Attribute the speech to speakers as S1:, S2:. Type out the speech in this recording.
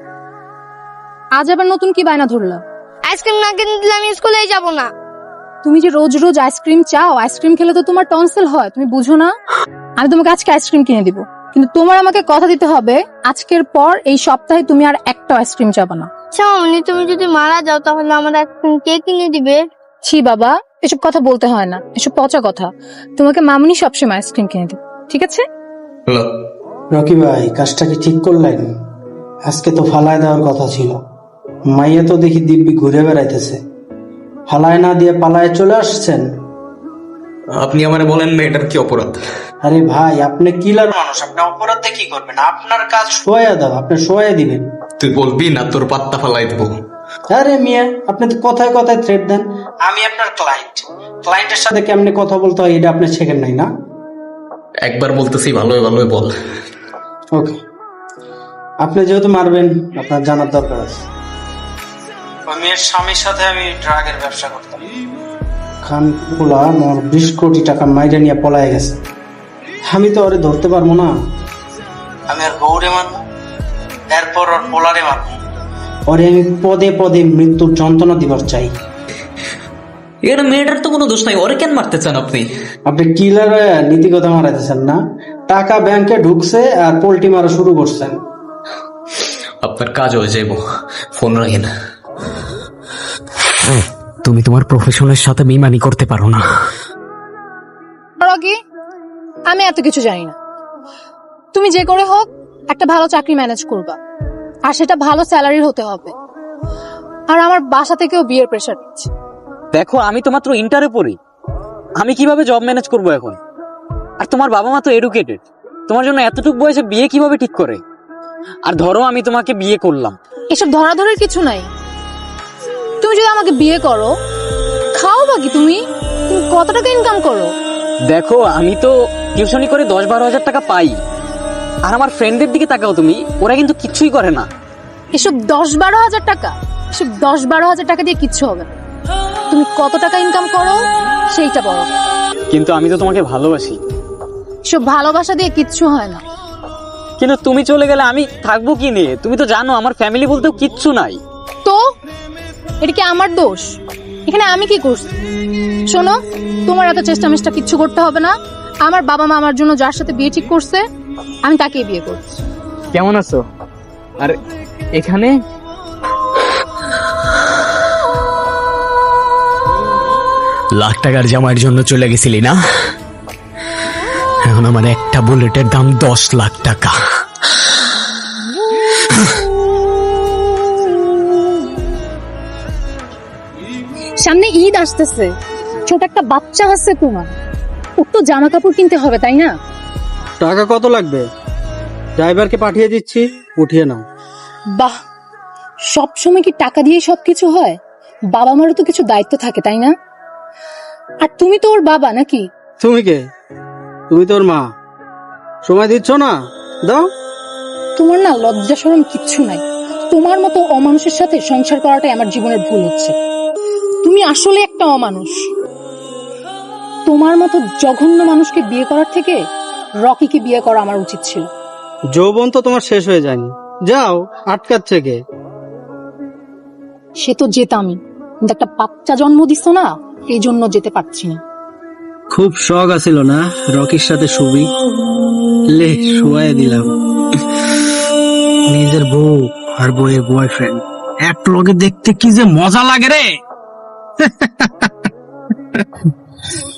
S1: আজ আবার নতুন কি বায়না ধরলা?
S2: আইসক্রিম না কিনে দিলে আমি স্কুলেই যাব না।
S1: তুমি যে রোজ রোজ আইসক্রিম চাও, আইসক্রিম খেলে তো তোমার টনসিল হয়, তুমি বুঝো না? আমি তোমাকে আজকে আইসক্রিম কিনে দিব, কিন্তু তোমার আমাকে কথা দিতে হবে আজকের পর এই সপ্তাহে তুমি আর একটা আইসক্রিম চাবা না।
S2: আচ্ছা মামনি, তুমি যদি মারা যাও তাহলে আমার আইসক্রিম কে কিনে দিবে?
S1: ছি বাবা, এসব কথা বলতে হয় না, এসব পচা কথা। তোমাকে মামুনি সবসময় আইসক্রিম কিনে দিবে, ঠিক আছে?
S3: হ্যালো
S4: রকি ভাই, কাজটা কি ঠিক করলেন? আজকে তো ফালায় দেওয়ার কথা ছিল। মাইয়া তো দেখি দিব্যি ঘুরে বেড়াইতেছে, ফালায় না দিয়ে পালায় চলে আসছেন।
S3: আপনি আমারে বলেন না এটার কি অপরাধ?
S4: আরে ভাই, আপনি কিলার মানুষ, আপনি অপরাধে কি করবেন? আপনার কাজ শোয়া দাও, আপনি শোয়া দিবেন।
S3: তুই বলবি না তোর পাত্তা ফালাই দেবো।
S4: আরে মিয়া, আপনি তো কথায় কথায় থ্রেট দেন। আমি আপনার ক্লায়েন্টের সাথে কেমনে কথা বলতে হয় এটা আপনি শেখেন নাই না?
S3: একবার বলতেছি, ভালোই ভালোই বল।
S4: ওকে, আপনি যেহেতু মারবেন, আপনার জানার দরকার আছে। ওই মেয়ের স্বামীর সাথে আমি ড্রাগের ব্যবসা করতাম। খানকুলা মোর 20 কোটি টাকা মাইরে নিয়ে পলায় গেছে। আমি তো ওরে ধরতে পারবো না। আমি আর গৌরে মারবো, এরপর ওর পোলারে মারবো। ওরে আমি পদে পদে মৃত্যুর যন্ত্রণা দিবার চাই।
S3: এটা মেয়েটার তো কোনো দোষ নাই, ওরে কেন মারতে চান আপনি?
S4: আপনি কিলার নীতি কথা মারাইতেছেন না? টাকা ব্যাংকে ঢুকছে আর পোল্টি মারা শুরু করছেন।
S3: আপনার কাজ হয়ে যাইব, ফোন রাখেন। তুমি তোমার প্রফেশনের সাথে বেইমানি করতে পারো না।
S1: রকি, আমি এত কিছু জানি না। তুমি যে করে হোক একটা ভালো চাকরি ম্যানেজ করবা, আর সেটা ভালো স্যালারির হতে হবে। আর আমার বাসা থেকেও বিয়ের প্রেশার দিচ্ছে।
S5: দেখো, আমি তো মাত্র ইন্টারে পড়ি, আমি কিভাবে জব ম্যানেজ করব এখন? আর তোমার বাবা মা তো এডুকেটেড, তোমার জন্য এতটুকু বয়সে বিয়ে কিভাবে ঠিক করে? আর ধরো আমি তোমাকে বিয়ে করলাম,
S1: এসব ধরাধরের কিছু নাই। তুমি যদি আমাকে বিয়ে করো, খাও বাকি তুমি কত টাকা ইনকাম করো?
S5: দেখো আমি তো টিউশনি করে 10-12 হাজার টাকা পাই। আর আমার ফ্রেন্ডদের দিকে তাকাও তুমি, ওরা কিন্তু কিচ্ছুই করে না।
S1: এসব 10-12 হাজার টাকা, এসব 10-12 হাজার টাকা দিয়ে কিচ্ছু হবে না। তুমি কত টাকা ইনকাম করো সেইটা বড়।
S5: কিন্তু আমি তো তোমাকে ভালোবাসি।
S1: এসব ভালোবাসা দিয়ে কিচ্ছু হয় না।
S5: কিন্তু তুমি চলে গেলে আমি থাকবো কি নিয়ে? তুমি তো জানো আমার ফ্যামিলি বলতেও কিচ্ছু নাই।
S1: তো এটা কি আমার দোষ? এখানে আমি কি করছি? শোনো, তোমার এত চেষ্টা মেষ্টা কিচ্ছু করতে হবে না। আমার বাবা মা আমার জন্য যার সাথে বিয়ে ঠিক করছে, আমি তাকেই বিয়ে করছি।
S5: কেমন আছো? আর এখানে
S6: লাখ টাকার জামাইয়ের জন্য চলে গেছিলি না? এখন আমার একটা বুলেটের দাম 10 লাখ টাকা।
S1: সামনে ঈদ আসতেছে, ছোট একটা বাচ্চা আছে তোমার, ওর তো জামা কাপড় কিনতে হবে, তাই না?
S4: টাকা কত লাগবে? ড্রাইভারকে পাঠিয়ে দিচ্ছি, উঠিয়ে নাও।
S1: বাহ, সব সময় কি টাকা দিয়ে সবকিছু হয়? বাবা মারও তো কিছু দায়িত্ব থাকে, তাই না? আর তুমি তো ওর বাবা নাকি?
S4: তুমি কে? তুমি তোর মা। সময় দিচ্ছ না? দাও।
S1: তোমার না লজ্জা শরম কিচ্ছু নাই। তোমার মতো অমানুষের সাথে সংসার করাটাই আমার জীবনের ভুল হচ্ছে। তুমি আসলে একটা অমানুষ। তোমার মতো জঘন্য মানুষকে বিয়ে করার থেকে রকিকে বিয়ে করা আমার উচিত ছিল।
S4: যৌবন তো তোমার শেষ হয়ে যায়নি, যাও, আটকাচ্ছে কে?
S1: সে তো যেতামই, কিন্তু একটা বাচ্চা জন্ম দিছ না, এই জন্য যেতে পারছি না।
S4: খুব শখ আছিল না রকির সাথে শুবি? লে, শুয়াই দিলাম। নিজের বউ আর বউয়ের বয়ফ্রেন্ড এক লগে দেখতে কি যে মজা লাগে রে।